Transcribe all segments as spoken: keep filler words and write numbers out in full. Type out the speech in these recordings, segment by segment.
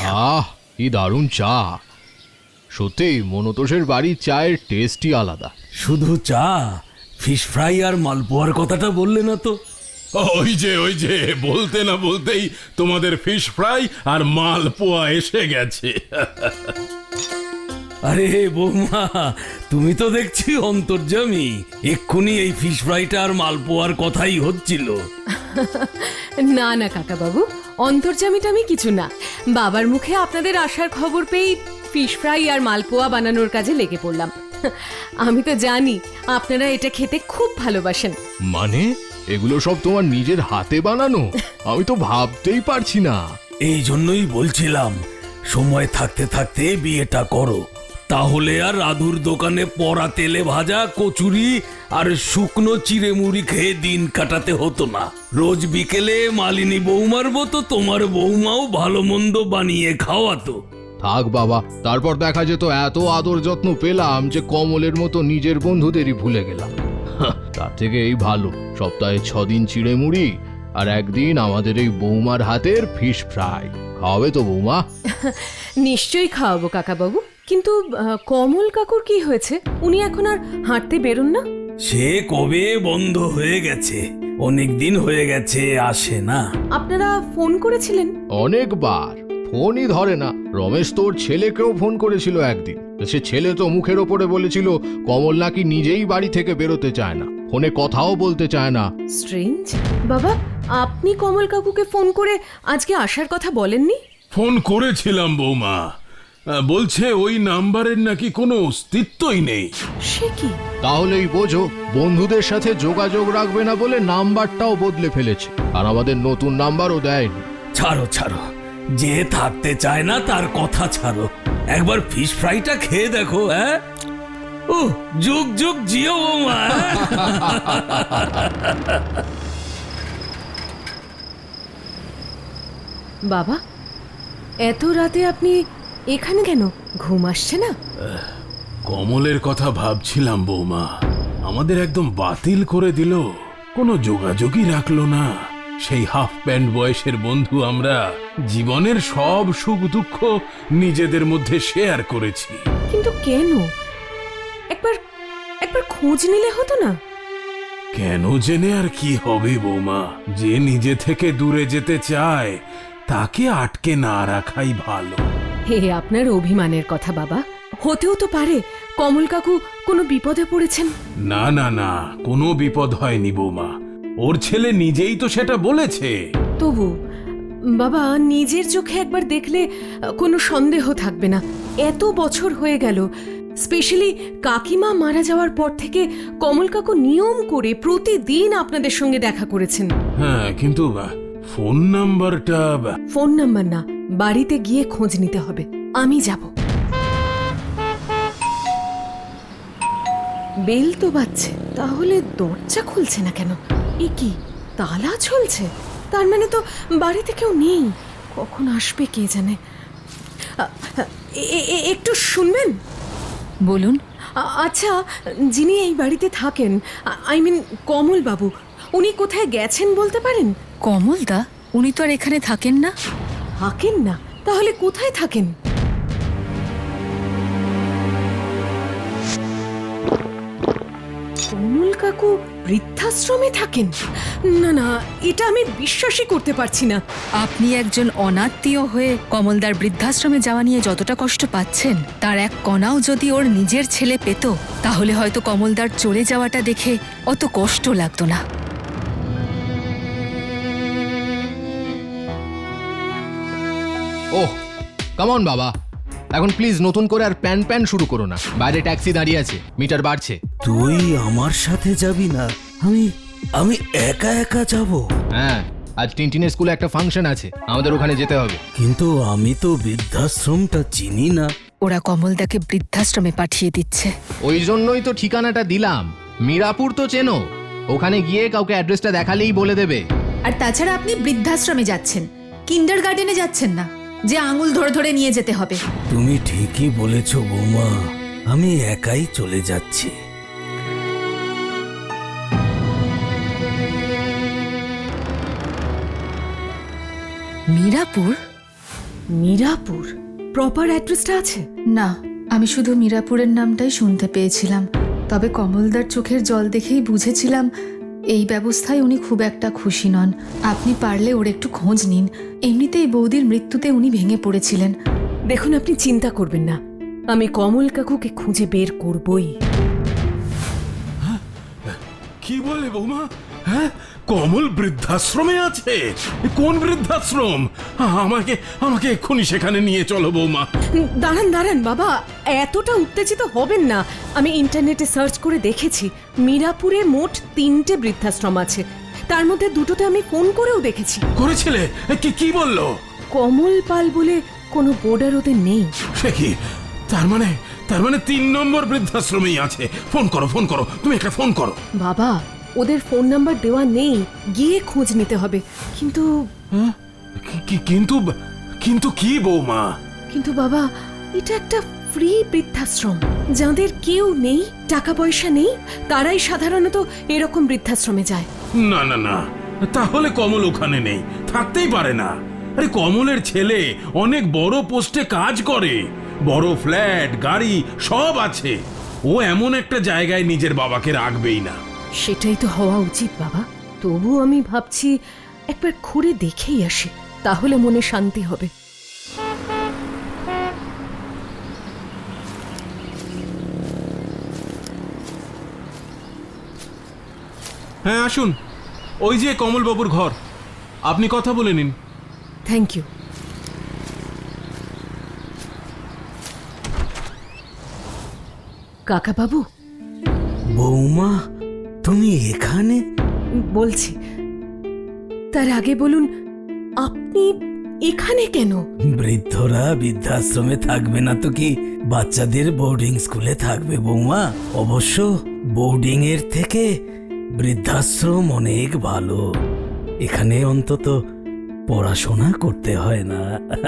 আহ কি দারুণ চা! সত্যি মনতোষের বাড়ির চায়ের টেস্টই আলাদা। শুধু চা, ফিশ ফ্রাই আর মালপোয়ার কথাটা বললে না তো? ওই যে ওই যে বলতে না বলতেই তোমাদের ফিশ ফ্রাই আর মালপোয়া এসে গেছে। আরে বৌমা, তুমি তো দেখছি অন্তর্যামী। এক্ষুনি এই ফিশ ফ্রাইটা আর মালপোয়ার কথাই হচ্ছিল। না না কাকা বাবু, অন্তর্যামীটা আমি কিছু না। বাবার মুখে আপনাদের আসার খবর পেয়ে ফিশ ফ্রাই আর মালপোয়া বানানোর কাজে লেগে পড়লাম। আমি তো জানি আপনারা এটা খেতে খুব ভালোবাসেন। মানে এগুলো সব তোমার নিজের হাতে বানানো? আমি তো ভাবতেই পারছি না। এই জন্যই বলছিলাম, সময় থাকতে থাকতে বিয়েটা করো, তাহলে আর রাধুর দোকানে পড়া তেলে ভাজা কচুরি আর শুকনো চিড়ে মুড়ি খেয়ে দিন কাটাতে হতো না। রোজ বিকেলে মালিনী বৌমার মতো তোমার বৌমাও ভালো মন্দ বানিয়ে খাওয়াতো। থাক বাবা, তারপর দেখা যেত এত আদর যত্ন পেলাম যে কমলের মতো নিজের বন্ধুদেরই ভুলে গেলাম। হাহ, তার থেকে এই ভালো সপ্তাহে ছদিন চিড়ে মুড়ি আর একদিন আমাদের এই বৌমার হাতের ফিশ ফ্রাই। খাওয়াবে তো বৌমা? নিশ্চয়ই খাওয়াবো কাকা বাবু। কিন্তু আহ, কমল কাকুর কি হয়েছে? উনি এখন আর হাঁটতে বেরোন না? সে কবে বন্ধ হয়ে গেছে, অনেক দিন হয়ে গেছে আসে না। আপনারা ফোন করেছিলেন? অনেকবার, ফোনই ধরে না। রমেশ তোর ছেলেকেও ফোন করেছিল একদিন। সে ছেলে তো মুখের ওপরে বলেছিল কমল নাকি নিজেই বাড়ি থেকে বেরোতে চায় না, ফোনে কথাও বলতে চায় না। স্ট্রেঞ্জ। বাবা, আপনি কমল কাকুকে ফোন করে আজকে আসার কথা বলেননি? ফোন করেছিলাম বৌমা, আহ, বলছে ওই নাম্বারের নাকি কোনো অস্তিত্বই নেই। সে কি? তাহলেই বোঝো, বন্ধুদের সাথে যোগাযোগ রাখবে না বলে নাম্বারটাও বদলে ফেলেছে, আর আমাদের নতুন নাম্বারও দেয়নি। ছাড়ো ছাড়ো, যে থাকতে চায় না তার কথা ছাড়ো। একবার ফিশ ফ্রাইটা খেয়ে দেখো। হ্যাঁ, ও যুগ যুগ জিও বৌমা। বাবা, এত রাতে আপনি এখানে কেন? ঘুম আসছে না? কমলের কথা ভাবছিলাম বৌমা, আমাদের একদম বাতিল করে দিল, কোনো যোগাযোগই রাখলো না। সেই হাফ প্যান্ট বয়সের বন্ধু আমরা জীবনের সব সুখ দুঃখ নিজেদের মধ্যে শেয়ার করেছি। কিন্তু কেন? একবার একবার খোঁজ নিলে হতো না? কেন জেনে আর কি হবে বৌমা, যে নিজে থেকে দূরে যেতে চায় তাকে আটকে না রাখাই ভালো। হে আপনার অভিমানের কথা বাবা। হতেও তো পারে কমল কাকু কোনো বিপদে পড়েছেন। না না না, কোনো বিপদ হয়নি বৌমা, ওর ছেলে নিজেই তো সেটা বলেছে। তবু বাবা, নিজের চোখে একবার দেখলে আহ, কোনো সন্দেহ থাকবে না। এত বছর হয়ে গেল, স্পেশালি কাকিমা মারা যাওয়ার পর থেকে কমল কাকু নিয়ম করে প্রতিদিন আপনাদের সঙ্গে দেখা করেছেন। হ্যাঁ, কিন্তু আহ, ফোন নাম্বারটা আহ, ফোন নাম্বার না, বাড়িতে গিয়ে খোঁজ নিতে হবে। আমি যাব। বেল তো বাজছে, তাহলে দরজা খুলছে না কেন? এ কি, তালা ঝুলছে? তার মানে তো বাড়িতে কেউ নেই। কখন আসবে কে জানে। আ- এ- এ- এ- একটু শুনবেন? বলুন। আ- আচ্ছা, যিনি এই বাড়িতে থাকেন, আই মিন কমল বাবু, উনি কোথায় গেছেন বলতে পারেন? কমলদা? উনি তো আর এখানে থাকেন না। থাকেন না? তাহলে কোথায় থাকেন? কমল কাকু বৃদ্ধাশ্রমে থাকেন? না না, এটা আমি বিশ্বাসই করতে পারছি না। আপনি একজন অনাত্মীয় হয়ে কমলদার বৃদ্ধাশ্রমে যাওয়া নিয়ে যতটা কষ্ট পাচ্ছেন, তার এক কণাও যদি ওর নিজের ছেলে পেত, তাহলে হয়তো কমলদার চলে যাওয়াটা দেখে অত কষ্ট লাগতো না। ওহ কামন বাবা, এখন প্লিজ নতুন করে আর প্যান প্যান শুরু করো না। বাইরে ট্যাক্সি দাঁড়িয়ে আছে, মিটার বাড়ছে। তুই আমার সাথে যাবি না? আমি আমি একা একা যাব? হ্যাঁ, আজ টিনটিনের স্কুলে একটা ফাংশন আছে, আমাদের ওখানে যেতে হবে। কিন্তু আমি তো বৃদ্ধাশ্রমটা চিনি না। ওরা কমলদাকে বৃদ্ধাশ্রমে পাঠিয়ে দিচ্ছে। ওই জন্যই তো ঠিকানাটা দিলাম। মিরাপুর তো চেনো, ওখানে গিয়ে কাউকে অ্যাড্রেসটা দেখালেই বলে দেবে। আর তাছাড়া আপনি বৃদ্ধাশ্রমে যাচ্ছেন, কিন্ডার গার্ডেনে যাচ্ছেন না যে আঙুল ধরে ধরে নিয়ে যেতে হবে। তুমি ঠিকই বলেছ বৌমা, আমি একাই চলে যাচ্ছি। মিরাপুর? মিরাপুর প্রপার অ্যাড্রেসটা আছে? না, আমি শুধু মিরাপুরের নামটাই শুনতে পেয়েছিলাম। তবে কমলদার চোখের জল দেখেই বুঝেছিলাম এই ব্যবস্থায় উনি খুব একটা খুশি নন। আপনি পারলে ওর একটু খোঁজ নিন। এমনিতেই বৌদির মৃত্যুতে উনি ভেঙে পড়েছিলেন। দেখুন, আপনি চিন্তা করবেন না, আমি কমল কাকুকে খুঁজে বের করবই। কি বলে বৌমা? হ্যাঁ, কমল বৃদ্ধাশ্রমে আছে? কোন বৃদ্ধাশ্রম? আমাকে আমাকে এক্ষুনি সেখানে নিয়ে চলো বৌমা। দাঁড়ান দাঁড়ান বাবা, এতটা উত্তেজিত হবেন না। আমি ইন্টারনেটে সার্চ করে দেখেছি, মিরাপুরে মোট তিনটে বৃদ্ধাশ্রম আছে। তার মধ্যে দুটোতে আমি ফোন করেও দেখেছি। করেছিলে? কি কি বললো? কমল পাল বলে কোনো বোর্ডার ওদের নেই। সে কি? তার মানে তার মানে তিন নম্বর বৃদ্ধাশ্রমেই আছে। ফোন করো, ফোন করো, তুমি একটা ফোন করো। বাবা, ওদের ফোন নাম্বার দেওয়া নেই, গিয়ে খোঁজ নিতে হবে। কিন্তু হ্যাঁ? কি- কি- কিন্তু কিন্তু কি বৌমা? কিন্তু বাবা, এটা একটা ফ্রি বৃদ্ধাশ্রম। যাদের কেউ নেই, টাকা পয়সা নেই, তারাই সাধারণত এরকম বৃদ্ধাশ্রমে যায়। না না না, তাহলে কমল ওখানে নেই, থাকতেই পারে না। আরে কমলের ছেলে অনেক বড় পোস্টে কাজ করে, বড় ফ্ল্যাট, গাড়ি সব আছে। ও এমন একটা জায়গায় নিজের বাবাকে রাখবেই না। সেটাই তো হওয়া উচিত বাবা। তবু আমি ভাবছি একবার ঘুরে দেখেই আসি, তাহলে মনে শান্তি হবে। হ্যাঁ আসুন, ওই যে কমলবাবুর ঘর, আপনি কথা বলে নিন। Thank you. কাকা বাবু, বৌমা, তুমি এখানে? বলছি, তার আগে বলুন, আপনি এখানে কেন? বৃদ্ধরা বৃদ্ধাশ্রমে থাকবে না তো কি বাচ্চাদের বোর্ডিং স্কুলে থাকবে বৌমা? অবশ্য বোর্ডিং এর থেকে বৃদ্ধাশ্রম অনেক ভালো। এখানে অন্তত পড়াশোনা করতে হয় না।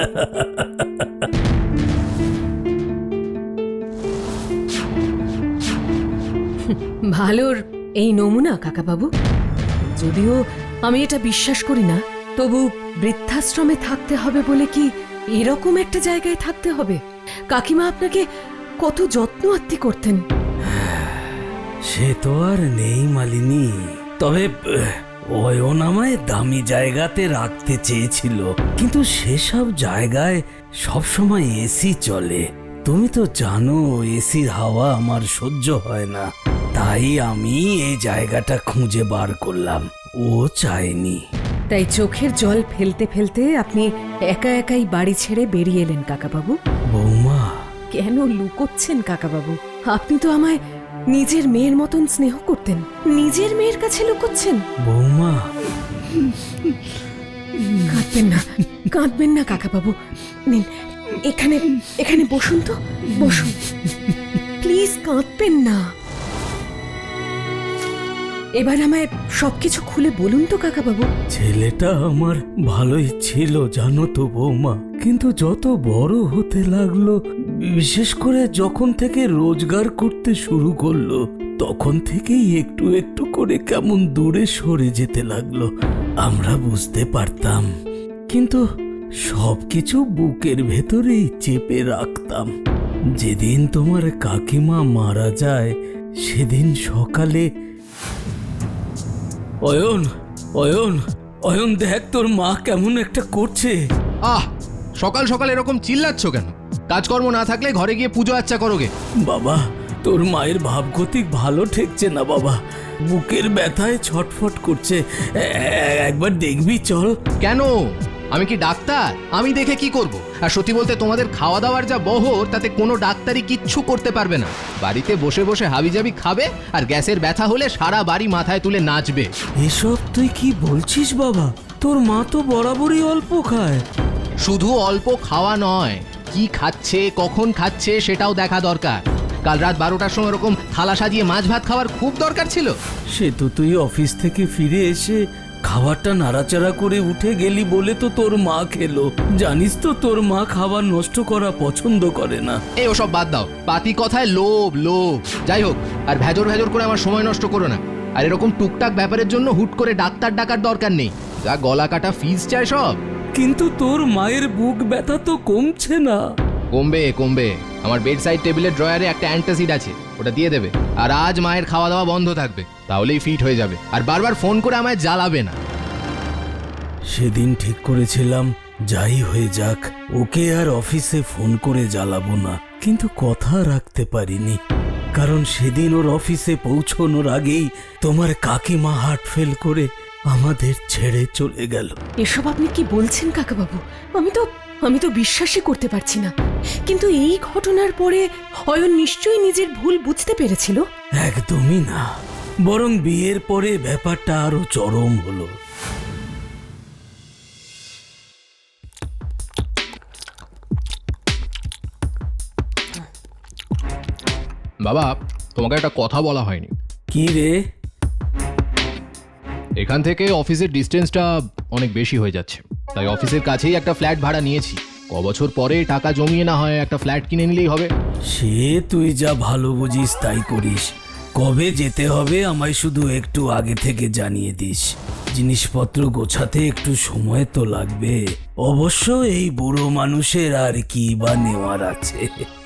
ভালোর এই নমুনা কাকা বাবু। যদিও আমি এটা বিশ্বাস করি না, তবু বৃদ্ধাশ্রমে থাকতে হবে বলে কি এরকম একটা জায়গায় থাকতে হবে? কাকিমা আপনাকে কত যত্ন আত্তি করতেন। সে তো আর নেই মালিনী, তবে অয়ন আমায় দামি জায়গাতে রাখতে চেয়েছিল, কিন্তু সেসব জায়গায় সবসময় এসি চলে। তুমি তো জানো এসির হাওয়া আমার সহ্য হয় না, তাই আমি এই জায়গাটা খুঁজে বার করলাম। ও চায়নি। তাই চোখের জল ফেলতে ফেলতে আপনি একা একাই বাড়ি ছেড়ে বেরিয়ে এলেন কাকাবাবু। বৌমা, কেন লুকোচ্ছেন কাকাবাবু? আপনি তো আমায় নিজের মেয়ের মতন স্নেহ করতেন, নিজের মেয়ের কাছে লুকোচ্ছেন? বৌমা, কাঁদবেন না, কাঁদবেন না কাকাবাবু। নিন, এখানে এখানে বসুন তো, বসুন প্লিজ, কাঁদবেন না। এবার আমায় সবকিছু খুলে বলুন তো কাকাবাবু। ছেলেটা আমার ভালোই ছিল জানো তো বৌমা, কিন্তু যত বড় হতে লাগলো, বিশেষ করে যখন থেকে রোজগার করতে শুরু করলো, তখন থেকেই একটু একটু করে কেমন দূরে সরে যেতে লাগলো। আমরা বুঝতে পারতাম, কিন্তু সবকিছু বুকের ভেতরেই চেপে রাখতাম। যেদিন তোমার কাকিমা মারা যায়, সেদিন সকালে অয়ন অয়ন অয়ন দেখ, তোর মা কেমন একটা করছে। আহ, সকাল সকাল এরকম চিল্লাচ্ছ কেন? কাজকর্ম না থাকলে ঘরে গিয়ে পুজো আচ্চা করোগে। বাবা, তোর মায়ের ভাবগতিক ভালো ঠেকছে না বাবা, বুকের ব্যথায় ছটফট করছে। এ- এ- একবার দেখবি চল। কেন? আমি কি ডাক্তার? আমি দেখে কি করব? আর সত্যি বলতে তোমাদের খাওয়া দাওয়ার যা বহর, তাতে কোনো ডাক্তারই কিচ্ছু করতে পারবে না। বাড়িতে বসে বসে হাবিজাবি খাবে, আর গ্যাসের ব্যথা হলে সারা বাড়ি মাথায় তুলে নাচবে। এসব তুই কি বলছিস বাবা? তোর মা তো বরাবরই অল্প খায়। শুধু অল্প খাওয়া নয়, কি খাচ্ছে, কখন খাচ্ছে সেটাও দেখা দরকার। কাল রাত বারোটার সময় এরকম থালা সাজিয়ে মাছ ভাত খাওয়ার খুব দরকার ছিল। সে তো তুই অফিস থেকে ফিরে এসে খাবারটা নাড়াচাড়া করে উঠে গেলি বলে তো তোর মা খেলো। জানিস তো তোর মা খাবার নষ্ট করা পছন্দ করে না। এই ওসব বাদ দাও, পাতি কথায় লোভ লোভ। যাই হোক, আর ভেজর ভেজর করে আমার সময় নষ্ট করো না। আর এরকম টুকটাক ব্যাপারের জন্য হুট করে ডাক্তার ডাকার দরকার নেই, যা গলা কাটা ফিজ চায় সব। কিন্তু তোর মায়ের বুক ব্যথা তো কমছে না। কমবে কমবে, আমার বেড সাইড টেবিলের ড্রয়ারে একটা অ্যান্টাসিড আছে, ওটা দিয়ে দেবে। আর আজ মায়ের খাওয়া দাওয়া বন্ধ থাকবে, তাহলেই ফিট হয়ে যাবে। আর বারবার ফোন করে আমায় জ্বালাবে না। সেদিন ঠিক করেছিলাম যাই হয়ে যাক ওকে আর অফিসে ফোন করে জ্বালাবো না, কিন্তু কথা রাখতে পারিনি। কারণ সেদিন ওর অফিসে পৌঁছনোর আগেই তোমার কাকিমা হার্ট ফেল করে আমাদের ছেড়ে চলে গেল। এসব আপনি কি বলছেন কাকাবাবু? আমি তো আমি তো বিশ্বাসই করতে পারছি না। কিন্তু এই ঘটনার পরে অয়ন নিশ্চয়ই নিজের ভুল বুঝতে পেরেছিল। একদমই না, বরং বিয়ের পরে ব্যাপারটা আরো চরম হলো। বাবা, তোমাকে একটা কথা বলা হয়নি। কি রে? এখান থেকে অফিসের ডিস্টেন্সটা অনেক বেশি হয়ে যাচ্ছে, তাই অফিসের কাছেই একটা ফ্ল্যাট ভাড়া নিয়েছি। ক বছর পরে টাকা জমিয়ে না হয় একটা ফ্ল্যাট কিনে নিলেই হবে। সে তুই যা ভালো বুঝিস তাই করিস। কবে যেতে হবে আমায় শুধু একটু আগে থেকে জানিয়ে দিস। জিনিসপত্র গোছাতে একটু সময় তো লাগবে। অবশ্য এই বুড়ো মানুষের আর কি বা নেওয়ার আছে।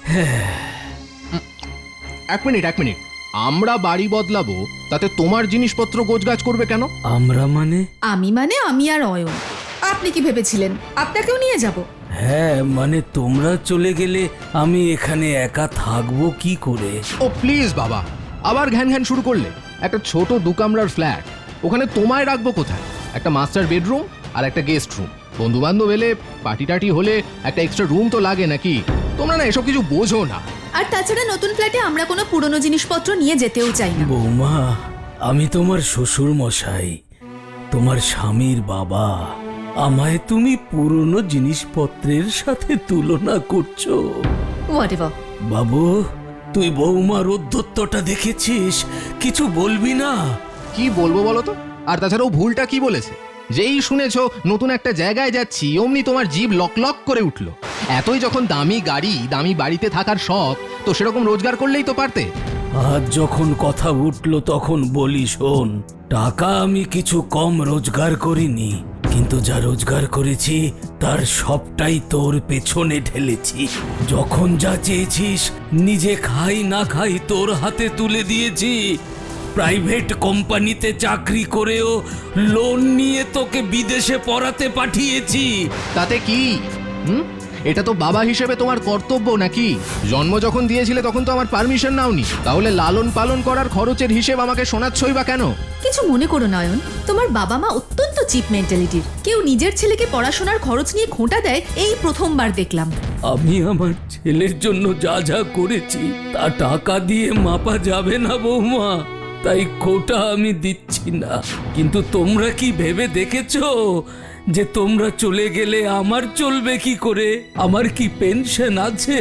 এক মিনিট এক মিনিট, আমরা বাড়ি বদলাবো, তাতে তোমার জিনিসপত্র গোছগাছ করবে কেন? আমরা মানে? আমি মানে আমি আর অয়ন। আপনি কি ভেবেছিলেন আপনাকেও নিয়ে যাব? হ্যাঁ, মানে তোমরা চলে গেলে আমি এখানে একা থাকবো কি করে? ও প্লিজ বাবা, আবার ঘ্যান ঘ্যান শুরু করলে। একটা ছোট দু কামরার ফ্ল্যাট, ওখানে তোমায় রাখবো কোথায়? একটা মাস্টার বেডরুম আর একটা গেস্ট রুম। বন্ধু বান্ধব এলে, পার্টি টাটি হলে একটা এক্সট্রা রুম তো লাগে নাকি? তোমরা না এসব কিছু বোঝো না। আর তাছাড়া নতুন ফ্ল্যাটে আমরা কোনো পুরনো জিনিসপত্র নিয়ে যেতেও চাই না। বৌমা, আমি তোমার শ্বশুর মশাই, তোমার স্বামীর বাবা। আমায় তুমি পুরনো জিনিসপত্রের সাথে তুলনা করছো? হোয়াটএভার। বাবু, তুই বৌমার উদ্ধত্তটা দেখেছিস? কিছু বলবি না? কি বলবো বলো তো? আর তাছাড়াও ভুলটা কি বলেছে? যেই শুনেছো নতুন একটা জায়গায় যাচ্ছি, অমনি তোমার জিভ লক লক করে উঠলো। এতই যখন দামি গাড়ি, দামি বাড়িতে থাকার শখ, তো সেরকম রোজগার করলেই তো পারতে। আজ যখন কথা উঠলো তখন বলি, শোন, টাকা আমি কিছু কম রোজগার করিনি, কিন্তু যা রোজগার করেছি তার সবটাই তোর পেছনে ঢেলেছি। যখন যা চেয়েছিস, নিজে খাই না খাই তোর হাতে তুলে দিয়েছি। প্রাইভেট কোম্পানিতে চাকরি করেও লোন নিয়ে তোকে বিদেশে পড়াতে পাঠিয়েছি। তাতে কি? হুম, এটা তো বাবা হিসেবে তোমার কর্তব্য নাকি? জন্ম যখন দিয়েছিলে তখন তো আমার পারমিশন নাওনি, তাহলে লালন পালন করার খরচের হিসেব আমাকে শোনাচ্ছই বা কেন? কিছু মনে করো নয়ন, তোমার বাবা মা অত্যন্ত চিপ মেন্টালিটির। কেউ নিজের ছেলেকে পড়াশোনার খরচ নিয়ে খোঁটা দেয় এই প্রথমবার দেখলাম। আমি আমার ছেলের জন্য যা যা করেছি তা টাকা দিয়ে মাপা যাবে না বৌমা, তাই খোটা আমি দিচ্ছি না। কিন্তু তোমরা কি ভেবে দেখেছো যে তোমরা চলে গেলে আমার চলবে কি করে? আমার কি পেনশন আছে?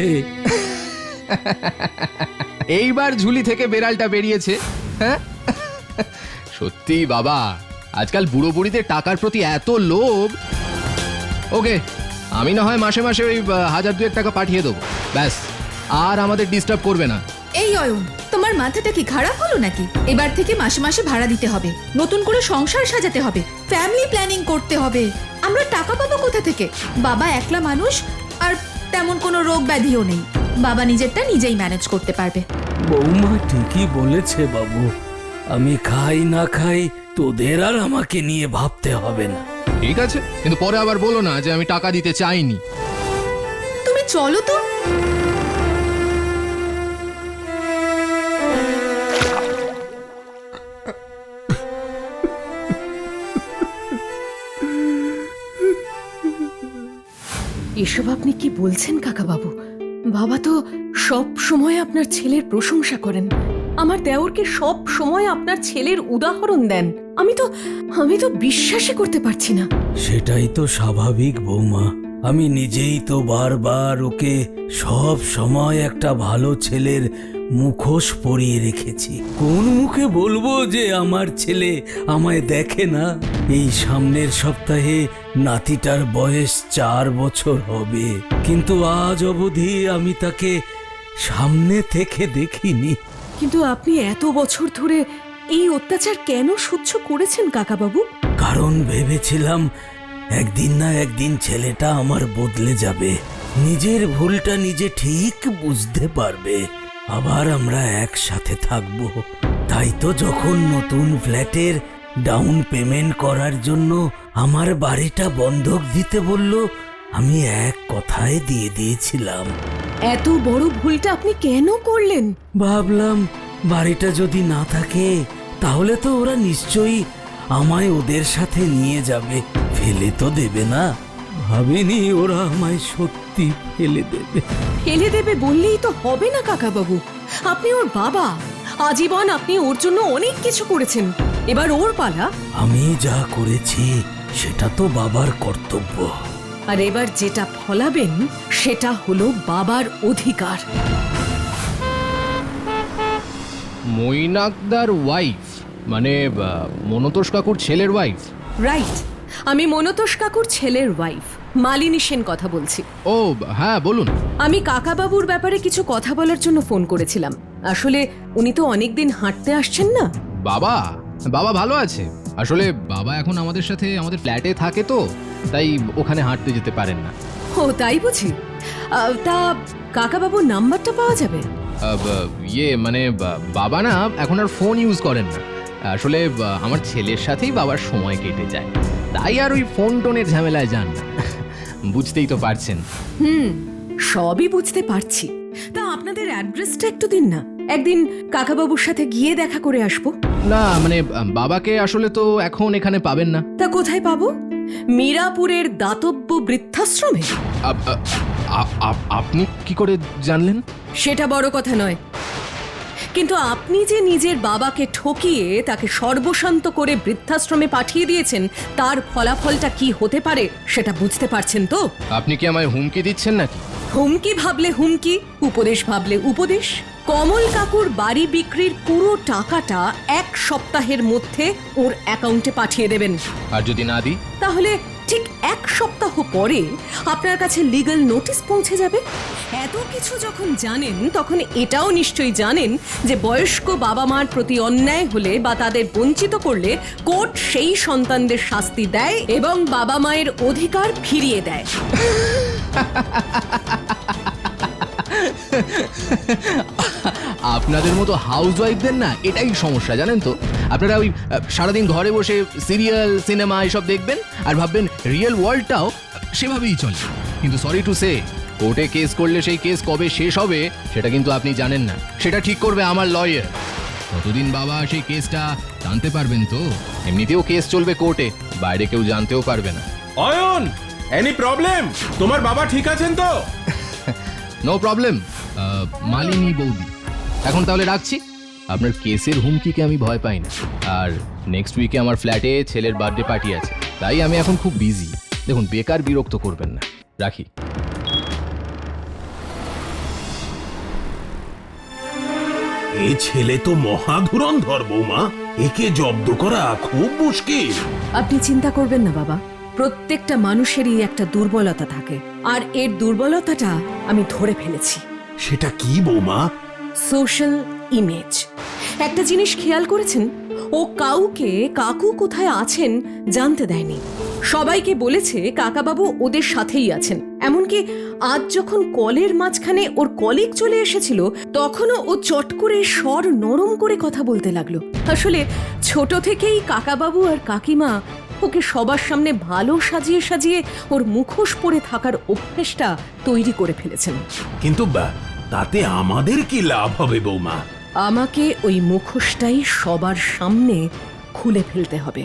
এইবার ঝুলি থেকে বেড়ালটা বেরিয়েছে। হ্যাঁ, সত্যি বাবা, আজকাল বুড়ো বুড়িদের টাকার প্রতি এত লোভ। ওকে, আমি না হয় মাসে মাসে ওই আহ, হাজার দুয়েক টাকা পাঠিয়ে দেবো, ব্যাস। আর আমাদের ডিস্টার্ব করবে না। এই অয়ন, তোমার মাথাটা কি খারাপ হলো নাকি? এবার থেকে মাসে মাসে ভাড়া দিতে হবে, নতুন করে সংসার সাজাতে হবে, ফ্যামিলি প্ল্যানিং করতে হবে। আমরা টাকা পাবো কোথা থেকে? বাবা একলা মানুষ, আর তেমন কোনো রোগ ব্যাধিও নেই। বাবা নিজেরটা নিজেই ম্যানেজ করতে পারবে। বৌমা ঠিকই বলেছে বাবু, আমি খাই না খাই তোদের আর আমাকে নিয়ে ভাবতে হবে না। ঠিক আছে, কিন্তু পরে আবার বলো না যে আমি টাকা দিতে চাইনি। তুমি চলো তো। এসব আপনি কি বলছেন কাকাবাবু? বাবা তো সব সময় আপনার ছেলের প্রশংসা করেন, আমার দেওরকে সব সময় আপনার ছেলের উদাহরণ দেন। আমি তো আমি তো বিশ্বাসই করতে পারছি না। সেটাই তো স্বাভাবিক বৌমা, আমি নিজেই তো বারবার ওকে সব সময় একটা ভালো ছেলের মুখোশ পরিয়ে রেখেছি। কোন মুখে বলবো যে আমার ছেলে আমায় দেখে না? এই সামনের সপ্তাহে নাতিটার বয়স চার বছর হবে, কিন্তু আজ অবধি আমি তাকে সামনে থেকে দেখিনি। কিন্তু আপনি এত বছর ধরে এই অত্যাচার কেন সহ্য করেছেন কাকাবাবু? কারণ ভেবেছিলাম একদিন না একদিন ছেলেটা আমার বদলে যাবে, নিজের ভুলটা নিজে ঠিক বুঝতে পারবে, আবার আমরা একসাথে থাকবো। তাই তো যখন নতুন ফ্ল্যাটের ডাউন পেমেন্ট করার জন্য আমার বাড়িটা বন্ধক দিতে বলল, আমি এক কথায় দিয়ে দিয়েছিলাম। এত বড় ভুলটা আপনি কেন করলেন? ভাবলাম বাড়িটা যদি না থাকে তাহলে তো ওরা নিশ্চয়ই আমায় ওদের সাথে নিয়ে যাবে, ফেলে তো দেবে না। ভাবিনি ওরা আমায় সত্যি ফেলে দেবে। ফেলে দেবে বললেই তো হবে না কাকাবাবু, আপনি ওর বাবা, আজীবন আপনি ওর জন্য অনেক কিছু করেছেন, এবার ওর পালা। আমি যা করেছি সেটা তো বাবার কর্তব্য। আর এবার যেটা ফলাবেন সেটা হলো বাবার অধিকার। মৈনাকদার ওয়াইফ মানে আহ, মনতোষ কাকুর ছেলের ওয়াইফ? রাইট, আমি মনতোষ কাকুর ছেলের ওয়াইফ মালিনী সেন কথা বলছি। ও হ্যাঁ, বলুন। আমি কাকাবাবুর ব্যাপারে কিছু কথা বলার জন্য ফোন করেছিলাম। আসলে উনি তো অনেকদিন হাঁটতে আসছেন না। বাবা বাবা ভালো আছে। আসলে বাবা এখন আমাদের সাথে আমাদের ফ্ল্যাটে থাকে, তো তাই ওখানে হাঁটতে যেতে পারেন না। ও তাই বুঝি। আহ, তা কাকাবাবুর নাম্বারটা পাওয়া যাবে? আহ, ব- ইয়ে মানে বা- বাবা না এখন আর ফোন ইউজ করেন না। আসলে বা, আমার ছেলের সাথেই বাবার সময় কেটে যায়, তাই আর ওই ফোন টোনের ঝামেলায় যান না। বুঝতেই তো পারছেন। হুম, সবই বুঝতে পারছি। তা আপনাদের অ্যাড্রেসটা একটু দিন না, একদিন কাকাবাবুর সাথে গিয়ে দেখা করে আসবো। না মানে আহ, বাবাকে আসলে তো এখন এখানে পাবেন না। তা কোথায় পাবো? মীরাপুরের দাতব্য বৃদ্ধাশ্রমে? আপ- আ- আ- আ- আপনি কি করে জানলেন? সেটা বড় কথা নয়, কিন্তু আপনি যে নিজের বাবাকে ঠকিয়ে তাকে সর্বশান্ত করে বৃদ্ধাশ্রমে পাঠিয়ে দিয়েছেন, তার ফলাফলটা কি হতে পারে সেটা বুঝতে পারছেন তো? আপনি কি আমায় হুমকি দিচ্ছেন নাকি? হুমকি ভাবলে হুমকি, উপদেশ ভাবলে উপদেশ। কমল কাকুর বাড়ি বিক্রির পুরো টাকাটা এক সপ্তাহের মধ্যে ওর অ্যাকাউন্টে পাঠিয়ে দেবেন। আর যদি না দিই? তাহলে ঠিক এক সপ্তাহ পরে আপনার কাছে লিগ্যাল নোটিশ পৌঁছে যাবে। এত কিছু যখন জানেন, তখন এটাও নিশ্চয়ই জানেন যে বয়স্ক বাবা মার প্রতি অন্যায় হলে বা তাদের বঞ্চিত করলে কোর্ট সেই সন্তানদের শাস্তি দেয় এবং বাবা মায়ের অধিকার ফিরিয়ে দেয়। আপনাদের মতো হাউস ওয়াইফদের না এটাই সমস্যা, জানেন তো। আপনারা ওই আহ, সারাদিন ঘরে বসে সিরিয়াল সিনেমা এসব দেখবেন আর ভাববেন রিয়েল ওয়ার্ল্ডটাও সেভাবেই চলে। কিন্তু সরি টু সে, কোর্টে কেস করলে সেই কেস কবে শেষ হবে সেটা কিন্তু আপনি জানেন না। সেটা ঠিক করবে আমার লয়ার। ততদিন বাবা সেই কেসটা জানতে পারবেন তো। এমনিতেও কেস চলবে কোর্টে, বাইরে কেউ জানতেও পারবে না। Ayan, any problem? তোমার বাবা ঠিক আছেন তো? নো প্রবলেম মালিনী বৌদি। এখন তাহলে রাখছি। আপনার কেসের হুমকিকে আমি ভয় পাই না। আর নেক্সট উইকে আমার ফ্ল্যাটে ছেলের বার্থডে পার্টি আছে, তাই আমি এখন খুব বিজি। দেখুন, বেকার বিরক্ত করবেন না, রাখি। এই ছেলে তো মহা ধুরন্ধর বৌমা, একে জব্দ করা খুব মুশকিল। আপনি চিন্তা করবেন না বাবা, প্রত্যেকটা মানুষেরই একটা দুর্বলতা থাকে, আর এর দুর্বলতাটা আমি ধরে ফেলেছি। সেটা কি বৌমা? Social image. একটা জিনিস খেয়াল করেছেন, ও কাউকে কাকু কোথায় আছেন জানতে দেয়নি। সবাইকে বলেছে কাকাবাবু ওদের সাথেই আছেন। এমনকি আজ যখন কলের মাঝখানে ওর কলিগ চলে এসেছিল, তখনও ও চট করে স্বর নরম করে কথা বলতে লাগলো। আসলে ছোট থেকেই কাকাবাবু আর কাকিমা ওকে সবার সামনে ভালো সাজিয়ে সাজিয়ে ওর মুখোশ পরে থাকার অভ্যেসটা তৈরি করে ফেলেছেন। কিন্তু বা, তাতে আমাদের কি লাভ হবে বৌমা? আমাকে ওই মুখোশটাই সবার সামনে খুলে ফেলতে হবে।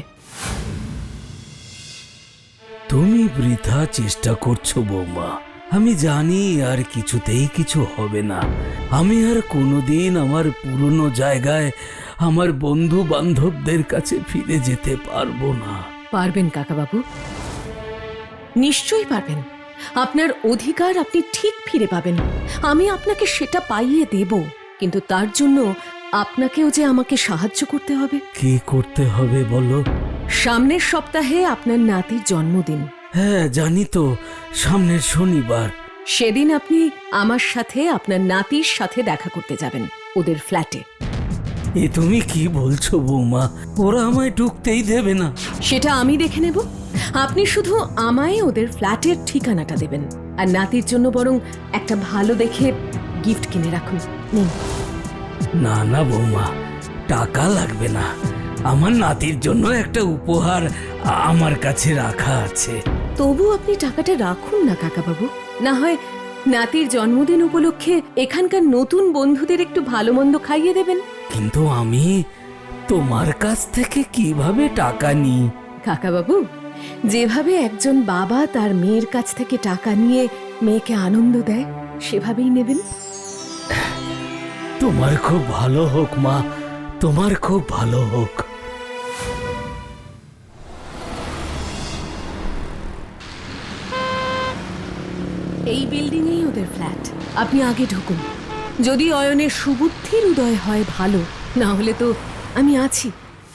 তুমি বৃথা চেষ্টা করছো বৌমা, আমি জানি আর কিছুতেই কিছু হবে না। আমি আর কোনোদিন আমার পুরনো জায়গায় আমার বন্ধু বান্ধবদের কাছে ফিরে যেতে পারবো না। পারবেন কাকাবাবু, নিশ্চয়ই পারবেন। আপনার অধিকার আপনি ঠিক ফিরে পাবেন। আমি আপনাকে সেটা পাইয়ে দেব, কিন্তু তার জন্য আপনাকেও যে আমাকে সাহায্য করতে হবে। কি করতে হবে বলো? সামনের সপ্তাহে আপনার নাতির জন্মদিন। হ্যাঁ জানি তো, সামনের শনিবার। সেদিন আপনি আমার সাথে আপনার নাতির সাথে দেখা করতে যাবেন ওদের ফ্ল্যাটে। এ তুমি কি বলছো বৌমা? ওরা আমায় ঢুকতেই দেবে না। সেটা আমি দেখে নেব। আপনি শুধু আমায় ওদের ফ্ল্যাটের ঠিকানাটা দেবেন, আর নাতির জন্য বরং একটা ভালো দেখে গিফট কিনে রাখুন। নিন। না না বৌমা, টাকা লাগবে না। আমার নাতির জন্য একটা উপহার আমার কাছে রাখা আছে। তবু আপনি টাকাটা রাখুন না কাকাবাবু, না হয় নাতির জন্মদিন উপলক্ষে এখানকার নতুন বন্ধুদের একটু ভালো মন্দ খাইয়ে দেবেন। কিন্তু আমি তোমার কাছ থেকে কিভাবে টাকা নিই? কাকাবাবু, যেভাবে একজন বাবা তার মেয়ের কাছ থেকে টাকা নিয়ে মেয়েকে আনন্দ দেয়, সেভাবেই নেবেন। তোমার খুব ভালো হোক মা, তোমার খুব ভালো হোক। এই বিল্ডিংয়েই ওদের ফ্ল্যাট, আপনি আগে ঢুকুন। যদি অয়নের সুবুদ্ধির উদয় হয় ভালো, না হলে তো আমি আছি।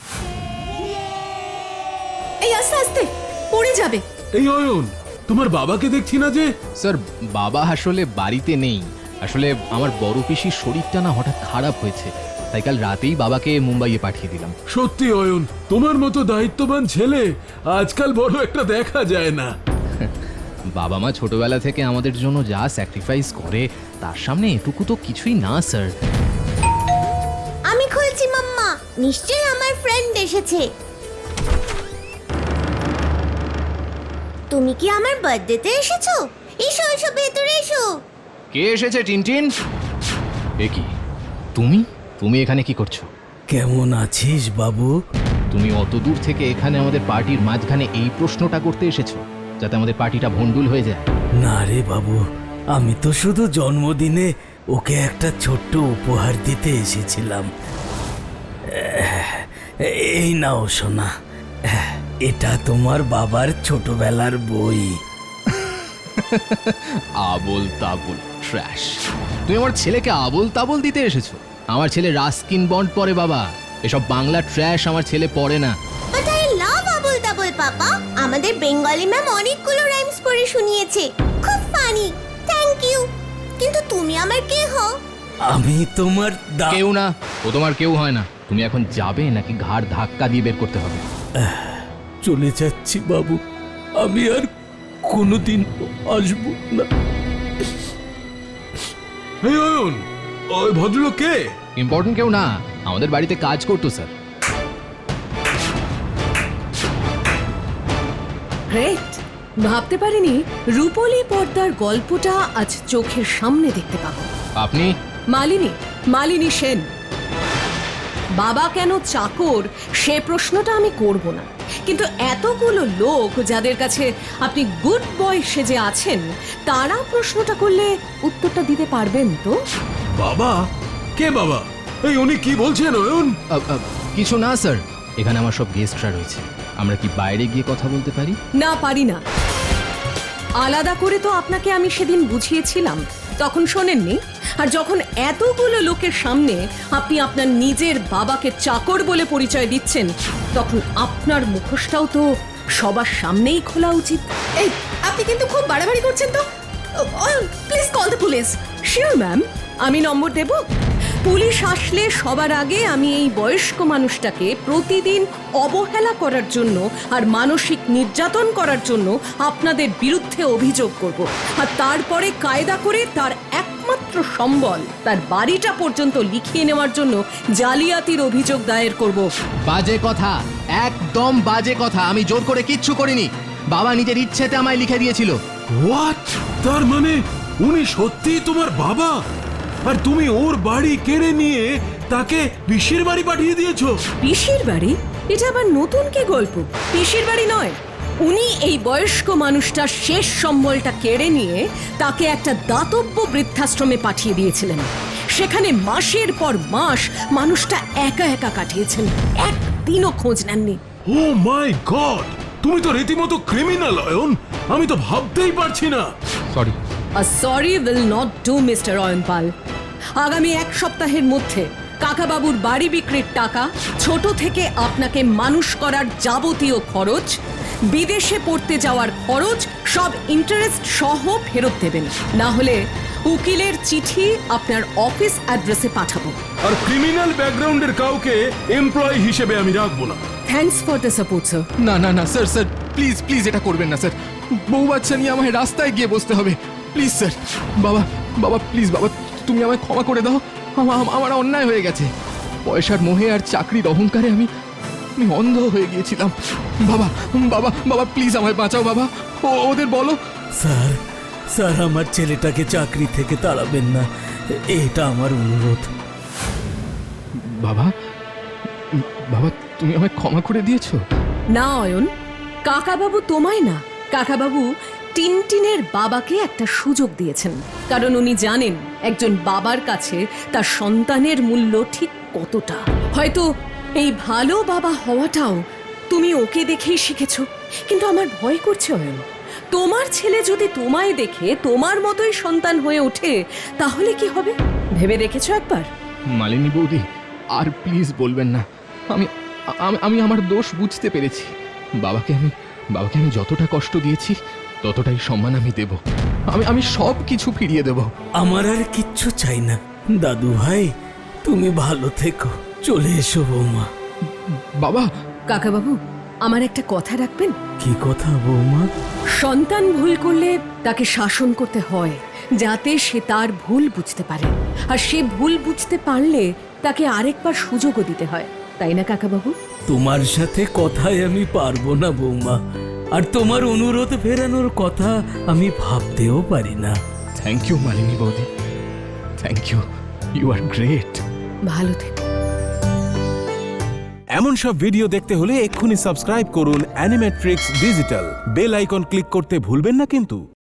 এই আস্তে আস্তে পড়ে যাবে। এই অয়ন, তোমার বাবাকে দেখছি না যে? স্যার, বাবা আসলে বাড়িতে নেই। আসলে আমার বড় পিসির শরীরটা না হঠাৎ খারাপ হয়েছে, তাই কাল রাতেই বাবাকে মুম্বাইয়ে পাঠিয়ে দিলাম। সত্যি অয়ন, তোমার মতো দায়িত্ববান ছেলে আজকাল বড় একটা দেখা যায় না। বাবা মা ছোটবেলা থেকে আমাদের জন্য যা স্যাক্রিফাইস করে, তার সামনে এটুকু তো কিছুই না স্যার। আমি খুলছি মাম্মা, নিশ্চয়ই আমার ফ্রেন্ড এসেছে। তুমি কি আমার বার্থডেতে এসেছো? এসো এসো, ভেতরে এসো। কে এসেছে টিনটিন? এ কি, তুমি তুমি এখানে কি করছো? কেমন আছিস বাবু? তুমি অত দূর থেকে এখানে আমাদের পার্টির মাঝখানে এই প্রশ্নটা করতে এসেছো, যাতে আমাদের পার্টিটা ভণ্ডুল হয়ে যায়? না রে বাবু, আমি তো শুধু জন্মদিনে ওকে একটা ছোট্ট উপহার দিতে এসেছিলাম। এই নাও সোনা, এটা তোমার বাবার ছোটবেলার বই। আবোল তাবোল ট্র্যাশ! তুমি আমার ছেলেকে আবোল তাবোল দিতে এসেছো? আমার ছেলে রাস্কিন বন্ড পড়ে বাবা, এসব বাংলা ট্র্যাশ আমার ছেলে পড়ে না। বাট আই লাভ আবুল তাবুল পাপা। আমাদের বেঙ্গলি ম্যাম অনেকগুলো রাইমস পড়ে শুনিয়েছে, খুব ফানি। Thank you. কিন্তু তুমি আমার কে হও? আমি তোমার দা- কেউ না, ও তোমার কেউ হয় না। তুমি এখন যাবে নাকি ঘাড় ধাক্কা দিয়ে বের করতে হবে? চলে যাচ্ছি বাবু, আমি আর কোনোদিন আসবো না। এই অয়ন, ওই ভদ্রলোক কে? ইম্পর্টেন্ট কেউ না, আমাদের বাড়িতে কাজ করতো স্যার। গ্রেট! ভাবতে পারিনি রূপলী পর্দার গল্পটা আজ চোখের সামনে দেখতে পাবো। আপনি? মালিনী, মালিনী সেন। বাবা কেন চাকর সে প্রশ্নটা আমি করব না, কিন্তু এতগুলো লোক যাদের কাছে আপনি গুড বয় সেজে আছেন, তারা প্রশ্নটা করলে উত্তরটা দিতে পারবেন তো? বাবা? কে বাবা? এই উনি কি বলছেন অয়ন? আ, আ, কিছু না স্যার, এখানে আমার সব গেস্টরা রয়েছে। আমরা কি বাইরে গিয়ে কথা বলতে পারি? না, পারি না। আলাদা করে তো আপনাকে আমি সেদিন বুঝিয়েছিলাম, তখন শোনেননি। আর যখন এতগুলো লোকের সামনে আপনি আপনার নিজের বাবাকে চাকর বলে পরিচয় দিচ্ছেন, তখন আপনার মুখোশটাও তো সবার সামনেই খোলা উচিত। এই আপনি কিন্তু খুব বাড়াবাড়ি করছেন তো। Please call the police. Sure ma'am, আমি নম্বর দেব। পুলিশ আসলে সবার আগে আমি এই বয়স্ক মানুষটাকে প্রতিদিন অবহেলা করার জন্য আর মানসিক নির্যাতন করার জন্য আপনাদের বিরুদ্ধে অভিযোগ করব, আর তারপরে কায়দা করে তার একমাত্র সম্বল, তার বাড়িটা পর্যন্ত লিখিয়ে নেওয়ার জন্য জালিয়াতির অভিযোগ দায়ের করব। বাজে কথা, একদম বাজে কথা। আমি জোর করে কিচ্ছু করিনি, বাবা নিজের ইচ্ছেতে আমায় লিখে দিয়েছিল। হোয়াট? তার মানে উনি সত্যিই তোমার বাবা, আর তুমি ওর বাড়ি কেড়ে নিয়ে তাকে পিসির বাড়ি পাঠিয়ে দিয়েছো? পিসির বাড়ি? এটা আবার নতুন কি গল্প? পিসির বাড়ি নয়, উনি এই বয়স্ক মানুষটার শেষ সম্বলটা কেড়ে নিয়ে তাকে একটা দাতব্য বৃদ্ধাশ্রমে পাঠিয়ে দিয়েছিলেন। সেখানে মাসের পর মাস মানুষটা একা একা কাটিয়েছেন, একদিনও খোঁজ নেননি। ও মাই গড, তুমি তো রীতিমতো ক্রিমিনাল অয়ন, আমি তো ভাবতেই পারছি না। Sorry. A sorry will not do, mister Ayanpal. আগামী এক সপ্তাহের মধ্যে কাকাবাবুর বাড়ি বিক্রির টাকা, ছোট থেকে আপনাকে মানুষ করার যাবতীয় খরচ, বিদেশে পড়তে যাওয়ার খরচ, সব ইন্টারেস্ট সহ ফেরত দেবেন। না হলে উকিলের চিঠি আপনার অফিস অ্যাড্রেসে পাঠাবো। আর ক্রিমিনাল ব্যাকগ্রাউন্ডের কাউকে এমপ্লয়ি হিসেবে আমি রাখবো না। Thanks for the support sir. না না না স্যার স্যার প্লিজ প্লিজ এটা করবেন না স্যার। বউ বাচ্চা নিয়ে আমায় রাস্তায় গিয়ে বসতে হবে। Please sir. বাবা বাবা প্লিজ বাবা, তুমি আমায় ক্ষমা করে দাও। আমা- আমা- আমার অন্যায় হয়ে গেছে। পয়সার মোহে আর চাকরির অহংকারে আমি আমি অন্ধ হয়ে গিয়েছিলাম। বাবা বাবা বাবা প্লিজ আমায় বাঁচাও বাবা। ও ওদের বলো। স্যার স্যার আমার ছেলেটাকে চাকরি থেকে তাড়াবেন না, এটা আমার অনুরোধ। বাবা বাবা তুমি আমায় ক্ষমা করে দিয়েছো? না অয়ন, কাকাবাবু তোমায় না, কাকাবাবু টিনটিনের বাবাকে একটা সুযোগ দিয়েছেন। কারণ উনি জানেন একজন বাবার কাছে তার সন্তানের মূল্য ঠিক কতটা। হয়তো এই ভালো বাবা হওয়াটাও তুমি ওকে দেখেই শিখেছো। কিন্তু আমার ভয় করছে অয়ন, তোমার ছেলে যদি তোমায় দেখে তোমার মতোই সন্তান হয়ে ওঠে তাহলে কি হবে ভেবে দেখেছো একবার? মালিনী বৌদি আর প্লিজ বলবেন না। আমি আমি- আমি আমার দোষ বুঝতে পেরেছি। বাবাকে আমি বাবাকে আমি যতটা কষ্ট দিয়েছি ততটাই সম্মান আমি দেব। আমি আমি সব কিছু ফিরিয়ে দেব। আমার আর কিচ্ছু চাই না। দাদু ভাই তুমি ভালো থেকো, চলে এসো বৌমা। বাবা কাকাবাবু, আমার একটা কথা রাখবেন? কি কথা বৌমা? সন্তান ভুল করলে তাকে শাসন করতে হয় যাতে সে তার ভুল বুঝতে পারে, আর সে ভুল বুঝতে পারলে তাকে আরেকবার সুযোগও দিতে হয়, তাই না কাকাবাবু? তোমার সাথে কথায় আমি পারবো না বৌমা, আর তোমার অনুরোধ ফেরানোর কথা আমি ভাবতেও পারি না। থ্যাংক ইউ মালিনী বৌদি, thank you, you are great. ভালো থেকো। এমন সব ভিডিও দেখতে হলে এক্ষুনি সাবস্ক্রাইব করুন Animetrix digital. Bell icon click করতে ভুলবেন না কিন্তু।